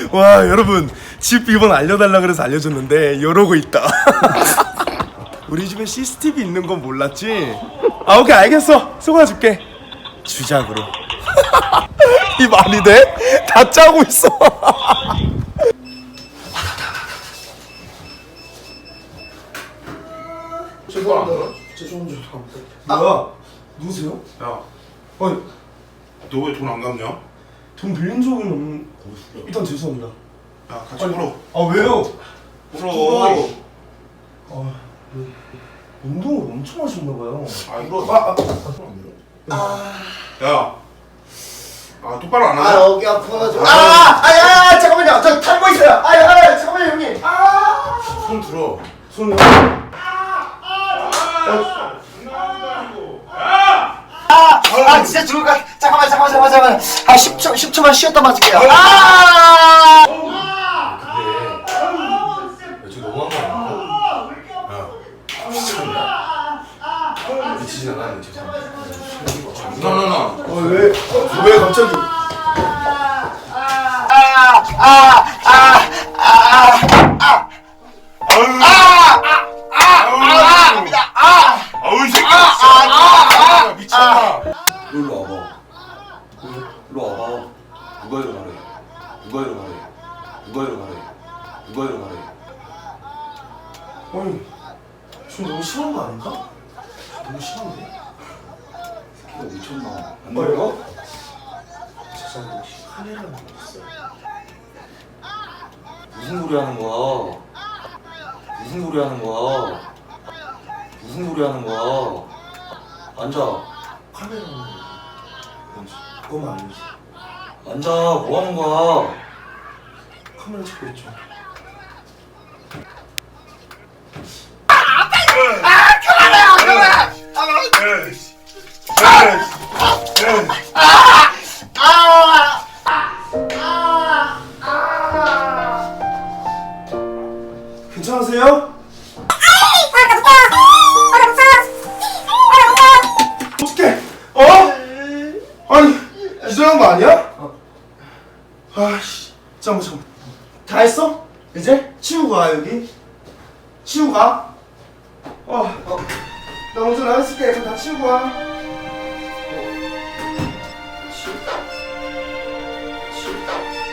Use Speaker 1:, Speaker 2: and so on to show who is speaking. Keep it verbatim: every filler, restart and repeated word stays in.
Speaker 1: 와 여러분 집 비번 알려달라 그래서 알려줬는데 이러고 있다. 우리 집에 씨씨티비 있는 건 몰랐지? 아 오케이 알겠어. 소가 줄게. 주작으로. 이 말이 돼? 다 짜고 있어.
Speaker 2: 죄송합니다.
Speaker 1: 죄송합니다. 뭐야? 누구세요?
Speaker 2: 야,
Speaker 1: 아니
Speaker 2: 너 왜 돈 안 갚냐?
Speaker 1: 돈 빌린 적은 없는. 일단 죄송합니다.
Speaker 2: 야, 같이 풀어.
Speaker 1: 아 왜요?
Speaker 2: 풀어.
Speaker 1: 아 운동을 엄청 하셨나봐요.
Speaker 2: 아, 이거.
Speaker 1: 아,
Speaker 2: 아. 야, 아 똑바로 안
Speaker 3: 아
Speaker 2: 하냐?
Speaker 3: 여기 아파가지고 아! 아야 잠깐만요 저 탈모 있어요 아야 아야 잠깐만요 형님 아!
Speaker 2: 손 들어.
Speaker 1: 손을.
Speaker 3: 아 진짜 죽을 것 같아 잠깐만 잠깐만 잠깐만 잠깐만 아 십 초 십 초만 쉬었다 맞을게요 아!
Speaker 2: 근데 지금 너무한 거 아닙니까? 야, 미쳤냐? 미치진 않았는데 죄송합니다. 나나나.
Speaker 1: 어 왜? 어, 왜 갑자기?
Speaker 2: 아우 이 새끼. 아, 미쳤나?
Speaker 4: 일로 와봐. 일로 와봐. 누가 일어나래? 누가 일어나래? 누가 일어나래? 누가 일어나래?
Speaker 1: 아니 지금 너무 심한 거 아닌가? 너무 심한데?
Speaker 4: 새끼가 미쳤나? 안
Speaker 1: 뭐야?
Speaker 4: 들어?
Speaker 1: 죄송한데 혹시 카메라는 없어요?
Speaker 4: 무슨 소리 하는 거야? 무슨 소리 하는 거야? 무슨 소리 하는 거야? 앉아.
Speaker 1: 카메라는 뭔지 그거만 알려줘.
Speaker 4: 앉아. 뭐 하는 거야?
Speaker 1: 카메라 찍고 있죠. 괜찮으세요? 어떡해? 어? 아니 이상한 거 아니야? 아씨 잠깐만 잠깐만 다 했어? 이제? 치우고 가 여기 치우고 가 어, 어. 나 먼저 나갔을게 이거 다 치우고 와 치우 치우